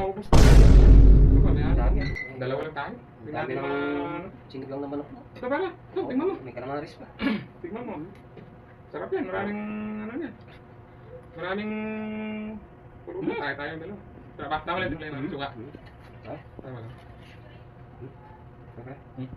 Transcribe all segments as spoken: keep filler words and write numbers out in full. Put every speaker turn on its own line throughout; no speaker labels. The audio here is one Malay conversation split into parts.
maubos. Ito ba, may
Dami.
ano? Dalawa lang tayo. Tingnan
Dami
natin
ng
mga...
singit lang ng manok mo.
Ito pala. Ito, tingnan mo.
May kalamaris pa.
Tingnan mo. Sarap yan. Maraming ano yan. Maraming... Puro na tayo tayo dalawa. Tama, tama lang yung namin. Suka.
Ha?
Tama lang.
Okay.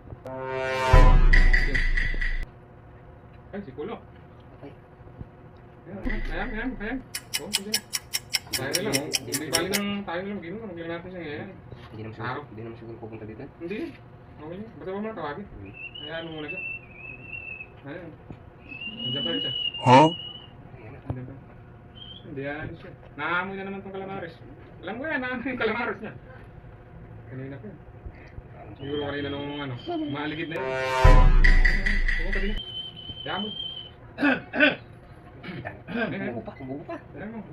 Ay, si Kulo.
Okay.
Ayan, ayan, ayan. Oo, sige. Tayo na lang. Hindi bali ng tayo na lang. Gino, magiging natin siya ngayon.
Hindi naman siguro, hindi naman siguro pupunta dito.
Hindi. Okay. Basta ba muna tawagin? Hayaan mo muna siya. Ayan. Nandiyan pa rin siya.
Huh?
Nandiyan pa. Hindi yan siya. Naamoy na naman itong kalamaris. Alam ko yan, naamoy yung kalamaris niya. Kanina pa yan. Siguro kanina nung ano, maaligid na yun. Pumunta din. Hayaan mo.
Umubo pa, umubo pa.
Hayaan mo.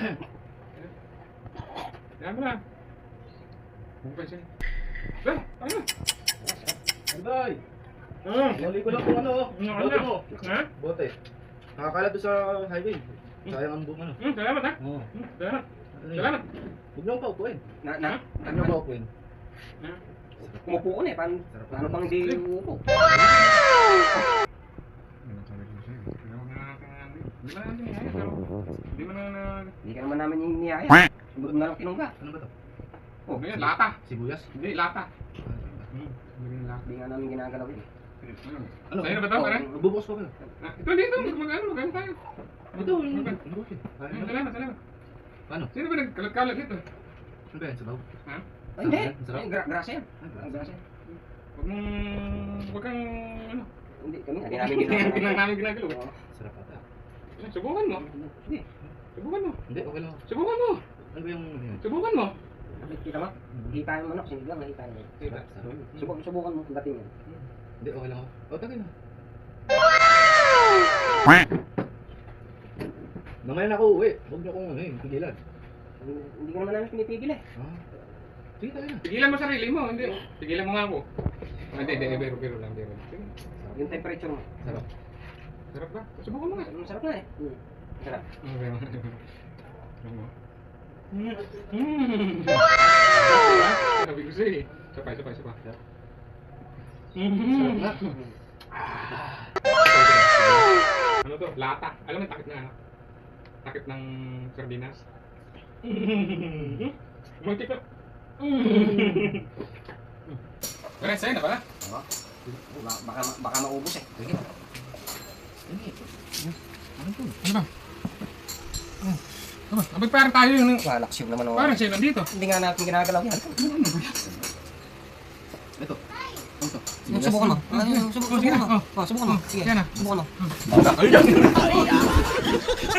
Hayaan mo lang. Bukay siya. Ah! Ano?
Anday!
Ah!
Huli ko lang kung ano,
Ano?
bote mo.
Ha?
Bote. Nakakalat doon sa highway. Sayang ang buong ano.
Hmm, salamat ha.
Oo.
Hmm, salamat.
Ano yun?
Salamat.
Huwag niyo akong paupuin.
Na, na,
Huwag niyo akong paupuin.
Ah.
umupo ko na eh. Paano, paano pang hindi umupo?
Ano sabi ko sa'yo? Hindi mo na Hindi mo na niyaya. Hindi mo na na...
Hindi ka naman namin yung niyaya. Sunod mo na lang tinungga.
Ano ba to?
Oh, ngayon, lata.
Sibuyas?
Hindi, lata. Hmm, hindi lata.
Hindi nga namin ginagalaw yun.
Ano?
Sa'yo na ba ito, pare?
Magbubukas pa pala.
Ah, ito, dito. Mag-ano, mag-ano tayo.
Ito, yung
Mag-
yung bukas.
Hmm, Salamat, salamat.
Paano?
Sino ba nagkalat-kalat dito?
Ano ba yan? Sabaw?
Ha?
Ay, hindi.
Sarap.
Ay, gra grasa yan.
Ay,
Ang grasa yan.
Huwag mong... Huwag kang... Ano?
Hindi, kami. Hindi namin
Hindi lang
ginagalaw.
namin ginagalaw.
Oo.
Sarap ata.
Eh, Subukan mo.
Hindi.
Subukan mo.
Hindi, okay lang.
Subukan mo.
Ano ba yung ano yun?
Subukan mo.
Kita mo? Hita yung manok. Sinigang, hita yun.
Kita.
Subukan, subukan mo kung dating yan.
Hindi, okay lang ako. O, tagay na. Mamaya na ako uwi. Huwag niyo akong ano yun, pigilan.
Hindi hindi ka naman namin pinipigil eh.
Ah. Sige, tagay na.
Pigilan mo sarili mo. Hindi. Pigilan mo nga ako. Ah, Hindi, hindi. Biro, biro lang. Biro. Sige.
Yung temperature mo.
Sarap.
Sarap ba? Subukan mo nga.
Masarap na eh. Hmm. Masarap.
Okay. Ano? Mm. Wow! Sabi ko sa'yo eh. Sapay, sapay, sapay.
Sarap
Mm.
na.
Ano to? Lata. Alam mo yung takip na ano? Takip ng sardinas. Muntik na. Pare, sa'yo na pala.
Oo. Ba- Baka, baka maubos eh.
Sige. Sige. Ano to?
Ano ba? Ano ba? Abay parang tayo yung...
Malaks yung naman ako.
Parang siya nandito.
Hindi nga natin ginagalaw yan.
Ito. Ano to?
Yung subukan mo. Ah, yung subukan,
Oh, sige
subukan
na.
mo. Oh, subukan mo. Sige,
Yan na.
subukan mo.
Ay,